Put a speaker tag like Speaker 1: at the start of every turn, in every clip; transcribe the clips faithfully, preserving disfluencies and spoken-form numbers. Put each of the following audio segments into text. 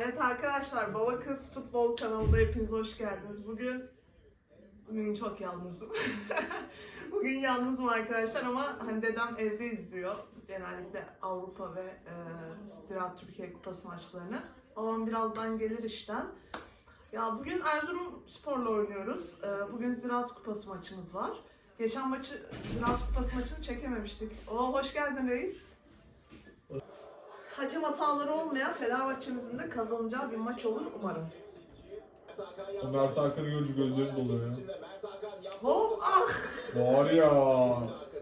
Speaker 1: Evet arkadaşlar, Baba Kız Futbol kanalına hepiniz hoş geldiniz. Bugün bugün çok yalnızım. Bugün yalnızım arkadaşlar ama hani dedem evde izliyor. Genellikle Avrupa ve e, Ziraat Türkiye Kupası maçlarını. Babam birazdan gelir işten. Ya bugün Erzurumspor'la oynuyoruz. E, bugün Ziraat Kupası maçımız var. Geçen maçı Ziraat Kupası maçını çekememiştik. Oo, hoş geldin reis. Hakem hataları olmayan Fenerbahçe'mizin de kazanacağı bir maç olur umarım.
Speaker 2: O Mert Hakan'ı görünce gözlerim doluyor ya.
Speaker 1: Hop ah!
Speaker 2: Var ya.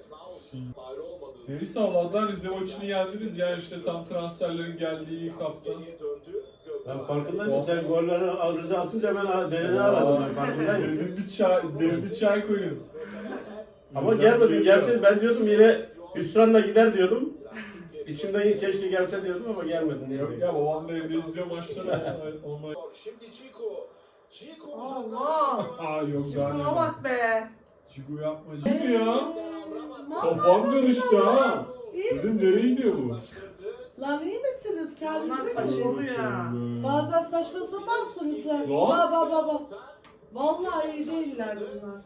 Speaker 2: Neyse Allah'tan Rize maçını yendiniz ya, işte tam transferlerin geldiği ilk hafta.
Speaker 3: Ben farkındayım, sen golleri Rıza atınca ben dedeni aradım, ben farkındayım.
Speaker 2: Dedim bir çay, dedim bir çay koyun.
Speaker 3: Ama gelmedin, gelsin ben diyordum yine hüsranla gider diyordum. İçimden keşke gelse diyordum ama gelmedin.
Speaker 2: Yok
Speaker 3: Neyse.
Speaker 2: ya, babam da evde izliyor maçları. Onlar...
Speaker 1: Allah!
Speaker 2: Aa yok daha
Speaker 1: Çikuma
Speaker 2: ne?
Speaker 1: bak be!
Speaker 2: Çiku yapma. Çiku ya. Kafam karıştı ha. Dedim nereye gidiyor bu?
Speaker 4: Lan iyi misiniz?
Speaker 1: Onlar
Speaker 4: Kendinize
Speaker 1: saçmalıyor ya.
Speaker 4: Bazen saçma sapansınız lan.
Speaker 2: Lan.
Speaker 4: Baba baba. Vallahi iyi değiller bunlar.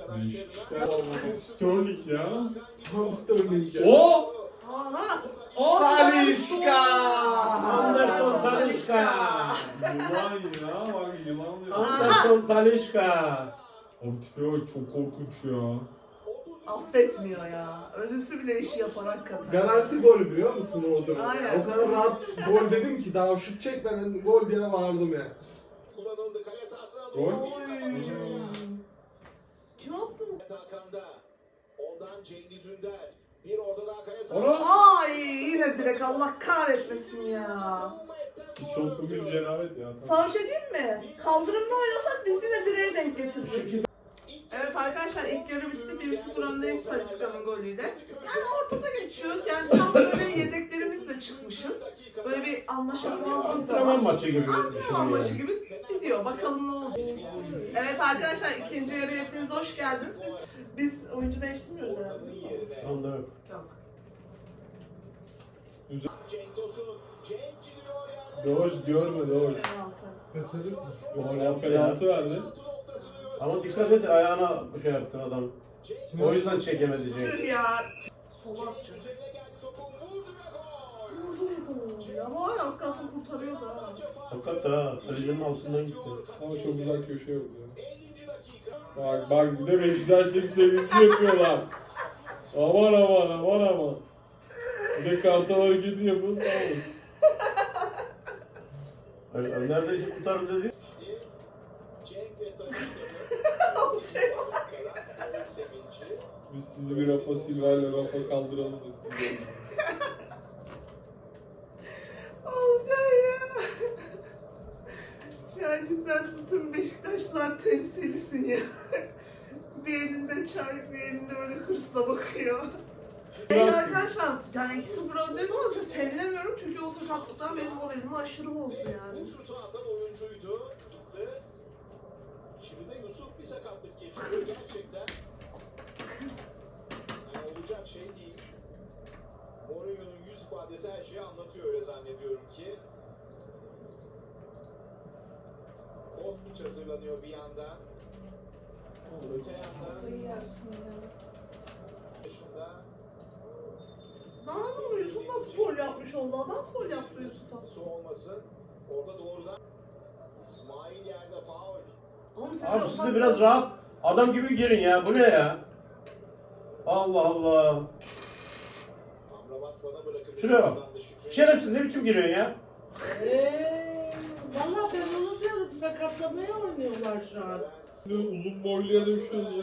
Speaker 2: Sterling ya.
Speaker 5: Tam Sterling ya.
Speaker 2: O!
Speaker 1: Aha!
Speaker 5: Talişka!
Speaker 3: Anderson Talişka!
Speaker 2: Yılan ya, bak yılan ya.
Speaker 3: Anderson Talişka!
Speaker 2: O tipe bak, çok korkunç ya.
Speaker 1: Affetmiyor ya. Ölüsü bile işi yapar hakikaten.
Speaker 5: Garanti gol biliyor musun orada?
Speaker 1: Aynen.
Speaker 5: O kadar rahat gol dedim ki daha şut çekmeden gol diye bağırdım ya.
Speaker 2: Gol.
Speaker 1: Oy. Kim attı mı?
Speaker 6: Ondan Cengiz Ünder. Bir orada daha kaya
Speaker 2: Ora!
Speaker 1: Ay yine direkt, Allah kahretmesin ya.
Speaker 2: Çok bugün cenabet ya.
Speaker 1: Sana bir şey diyeyim mi? Kaldırımda oynasak biz yine direğe denk getiririz. Evet arkadaşlar, ilk yarı bitti. bir sıfır öndeyiz Talisca'nın golüyle. Yani ortada geçiyor. Yani tam böyle yedeklerimizle çıkmışız. Böyle bir anlaşılmazlık da
Speaker 3: Antrenman
Speaker 1: var.
Speaker 3: maçı gibi
Speaker 1: Antrenman
Speaker 3: düşünüyorum
Speaker 1: maçı
Speaker 3: yani.
Speaker 1: gibi gidiyor. Bakalım ne olacak. Evet arkadaşlar, ikinci yarıya hepiniz hoş geldiniz. Biz biz oyuncu değiştirmiyoruz herhalde.
Speaker 3: Şu anda yok.
Speaker 1: Yok.
Speaker 6: Cenk Tosun. Cenk gidiyor yerde.
Speaker 2: Doğuş görme Doğuş.
Speaker 1: Penaltı.
Speaker 3: Gol yaptı ya.
Speaker 2: Penaltı verdi.
Speaker 3: Ama dikkat et, ayağına şey yaptı adam. O yüzden çekemedi
Speaker 1: Tüh
Speaker 3: Cenk.
Speaker 1: ya. Sola atacak.
Speaker 6: Üzerine geldi topu. Vurdu ve gol.
Speaker 1: Vurdu ya gol. Ama var ya, az kalsın kurtarıyordu ha.
Speaker 3: Fakat ha, kalenin altından gitti.
Speaker 2: Ama çok güzel köşe yok ya. Bak bak, bir de Beşiktaş'taki sevinci yapıyorlar. Aman aman aman aman. Bir de kartal hareketi yapın, tamam.
Speaker 3: Öyle, neredeyse kurtardı dedi.
Speaker 6: Cenk ve
Speaker 1: Olacak.
Speaker 6: sevinci.
Speaker 2: Biz sizi bir Rafa Silva ile Rafa kaldıralım da sizi.
Speaker 1: Olacak ya. Ya cidden bütün Beşiktaşlar temsilisin ya. Bir elinde çay, bir elinde böyle hırsla bakıyor. Evet arkadaşlar, yani iki sıfır öndeyim ama sevinemiyorum çünkü o sakatlıklar benim moralimi aşırı bozdu yani.
Speaker 6: Bu şutu atan oyuncuydu. Gitti. Şimdi de Yusuf bir sakatlık geçiriyor gerçekten. Yani olacak şey değil. Mourinho'nun yüz ifadesi her şeyi anlatıyor, öyle zannediyorum ki. Kostić hazırlanıyor bir yandan. Öte yandan
Speaker 1: Kafayı yersin ya.
Speaker 6: başında
Speaker 1: Ben anlamadım, Yusuf nasıl foul yapmış oldu? Adam foul yaptı Yusuf'a.
Speaker 6: su olmasın. Orada doğrudan İsmail yerde faul.
Speaker 1: Oğlum siz
Speaker 3: Abi siz de biraz rahat adam gibi girin ya. Bu ne ya? Allah Allah.
Speaker 6: Amrabat bana bırakın.
Speaker 3: Şuraya bak. Şerefsiz, ne biçim giriyorsun ya?
Speaker 4: Eee. Valla ben onu diyorum, sakatlamaya oynuyorlar şu an.
Speaker 2: Uzun boyluya dövüşüyoruz ya.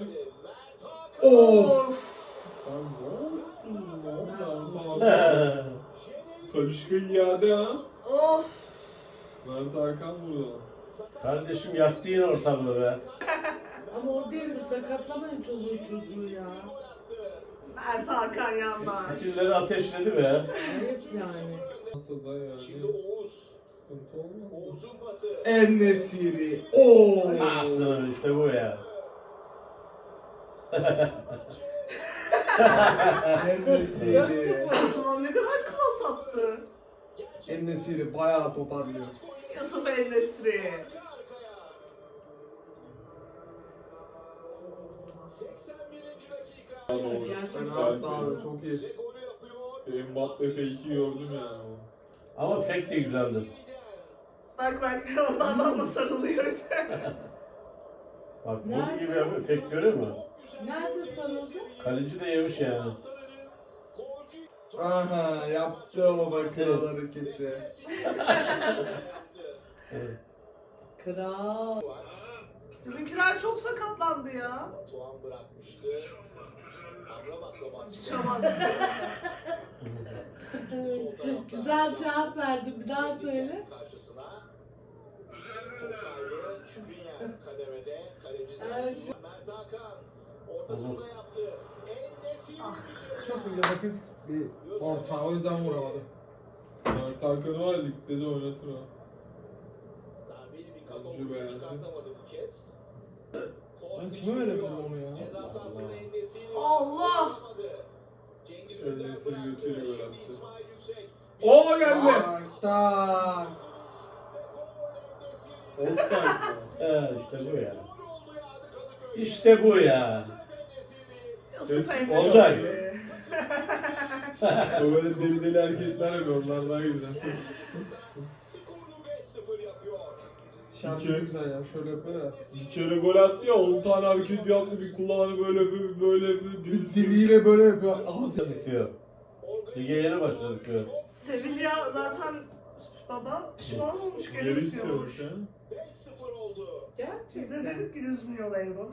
Speaker 1: Of.
Speaker 2: Lan ne oldu? Ne oldu?
Speaker 3: He.
Speaker 2: Talişka iade ha.
Speaker 1: Of.
Speaker 2: Mert Hakan burada.
Speaker 3: Kardeşim yaktı yine ortalığı be.
Speaker 4: Ama o değil de sakatlamayın çoluğu çocuğu ya.
Speaker 1: Mert Hakan yandaş.
Speaker 3: Fitilleri ateşledi be.
Speaker 4: Ayıp yani.
Speaker 2: Nasıl da yani.
Speaker 6: Şimdi Oğuz.
Speaker 2: Sıkıntı olmaz mı?
Speaker 6: Oğuz'un pası.
Speaker 5: En-Nesyri. Oo.
Speaker 3: Aslanım işte bu ya.
Speaker 5: En-Nesyri.
Speaker 1: Ulan ne kadar klas attı.
Speaker 5: En-Nesyri bayağı toparlıyor.
Speaker 1: Yusuf El-Nesri.
Speaker 6: Arka arkaya. seksen birinci dakika.
Speaker 2: Tamam.
Speaker 4: Gerçekten
Speaker 5: Penaltı abi çok iyi.
Speaker 6: Ve golü yapıyor.
Speaker 2: Mbappe fake'i gördüm yani.
Speaker 3: Ama fake de güzeldi.
Speaker 1: Bak bak orada adamla sarılıyor.
Speaker 3: Bak bu
Speaker 4: Nerede?
Speaker 3: gibi yapıyor. Fake görüyor musun?
Speaker 4: Nerede sarıldı?
Speaker 3: Kaleci de yemiş yani.
Speaker 5: Aha yaptı ama bak kral hareketi.
Speaker 3: Evet.
Speaker 4: Kral.
Speaker 1: Bizimkiler çok sakatlandı ya.
Speaker 6: Tuğan bırakmıştı. Amrabat'la baskı.
Speaker 1: Bir şey olmaz.
Speaker 6: Sol tarafta.
Speaker 4: Güzel cevap verdi. Bir daha söyle.
Speaker 6: Karşısına. Toplaydı. Şükrüyen kademede. Kalecisi.
Speaker 4: Evet, şu-
Speaker 6: Mert Hakan. Ortasında yaptı. En-Nesyri.
Speaker 1: Ah,
Speaker 5: Çok iyi hafif bir orta o yüzden vuramadı.
Speaker 2: Mert Hakan'ı var ligde de oynatır ha.
Speaker 6: Darbeli bir
Speaker 2: Oyuncu
Speaker 6: kakao
Speaker 2: beğendim.
Speaker 6: çıkartamadı bu kez.
Speaker 5: Ben kime verebilirim onu ya?
Speaker 6: Ceza sahasında En-Nesyri.
Speaker 1: Allah!
Speaker 6: Cengiz
Speaker 2: En-Nesyri
Speaker 6: Ünder bıraktı.
Speaker 2: götürüyor
Speaker 6: Şimdi
Speaker 2: bıraktı.
Speaker 6: İsmail Yüksek.
Speaker 2: Oo geldi.
Speaker 5: Tak tak.
Speaker 2: Offside mi?
Speaker 3: He işte bu ya.
Speaker 6: Gol oldu ya Kadıköy'de.
Speaker 3: İşte bu ya.
Speaker 1: Yusuf
Speaker 2: Evet,
Speaker 1: El-Nesri.
Speaker 3: Olcay.
Speaker 2: O böyle deli deli hareketler yapıyor, onlar daha güzel.
Speaker 6: Skoru beş sıfır yapıyor.
Speaker 5: Şarkı
Speaker 2: İki.
Speaker 5: güzel ya şöyle yapıyor ya.
Speaker 2: Bir kere gol attı ya, on tane hareket yaptı, bir kulağını böyle yapıyor, böyle yapıyor.
Speaker 5: Bir diliyle böyle yapıyor. Ağzı.
Speaker 3: Başladık diyor. Lige yeni başladık diyor.
Speaker 1: Sevilla zaten baba pişman olmuş geri
Speaker 2: Geri
Speaker 1: istiyormuş.
Speaker 2: istiyormuş ha.
Speaker 6: beş sıfır oldu.
Speaker 1: Biz de
Speaker 4: Gerçekten.
Speaker 1: dedik ki yüz milyon euro.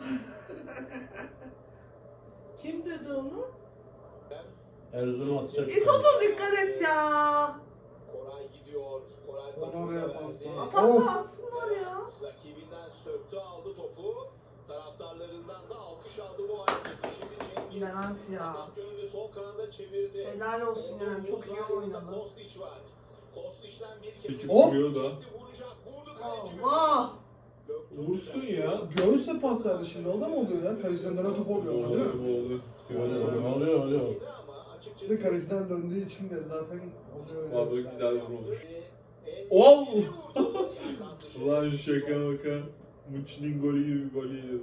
Speaker 4: Kim dedi onu?
Speaker 3: Erzurum atacak.
Speaker 1: İsotum dikkat et ya.
Speaker 6: Koray gidiyor. Koray
Speaker 5: Onu
Speaker 6: pasını
Speaker 5: oraya
Speaker 6: verdi.
Speaker 5: pasla.
Speaker 1: Atarsa
Speaker 5: Of.
Speaker 1: atsınlar ya.
Speaker 6: Rakibinden söktü aldı topu. Taraftarlarından da alkış aldı bu hareketi. Şimdi Cengiz.
Speaker 1: Levent ya.
Speaker 6: Atak yönünü sol kanada çevirdi.
Speaker 1: Helal olsun yani çok iyi oynadı.
Speaker 6: Kostić var. Kostić'ten bir kez.
Speaker 2: Ekip
Speaker 5: Hop.
Speaker 2: vuruyor da.
Speaker 6: Vuracak. Vurdu kaleci.
Speaker 1: Allah.
Speaker 2: Vursun ya.
Speaker 5: Göğüse pas verdi şimdi o da mı oluyor ya? Kaleciden dönen top oluyor değil
Speaker 2: Oluyor,
Speaker 5: mi?
Speaker 2: oluyor.
Speaker 3: Oluyor, oluyor, oluyor.
Speaker 6: Ama açıkçası.
Speaker 5: Bir de kaleciden döndüğü için de zaten oluyor ya.
Speaker 2: Vallahi güzel vurmuş.
Speaker 6: En-
Speaker 2: Ol!
Speaker 6: Yandan dışı.
Speaker 2: Ulan şaka maka. Muçi'nin golü gibi bir gol yedi.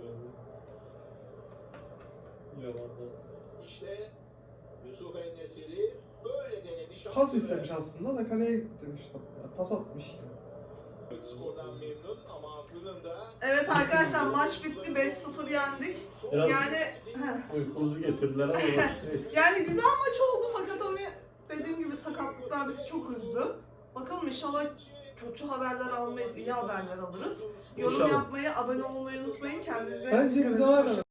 Speaker 2: Yalandan.
Speaker 6: İşte Yusuf En-Nesyri böyle denedi. şansını.
Speaker 5: Pas istemiş aslında da kaleye demiş. Pas atmış.
Speaker 6: Skordan memnun ama aklının da
Speaker 1: Evet arkadaşlar maç bitti beş sıfır yendik.
Speaker 3: Biraz
Speaker 1: Yani heh.
Speaker 3: uykumuzu getirdiler ama neyse.
Speaker 1: Yani güzel maç oldu fakat hani dediğim gibi sakatlıklar bizi çok üzdü. Bakalım inşallah kötü haberler almayız, iyi haberler alırız. Yorum
Speaker 3: İnşallah.
Speaker 1: yapmayı, abone olmayı unutmayın. Kendinize
Speaker 5: Bence
Speaker 1: dikkat
Speaker 5: bize
Speaker 1: edin.
Speaker 5: var.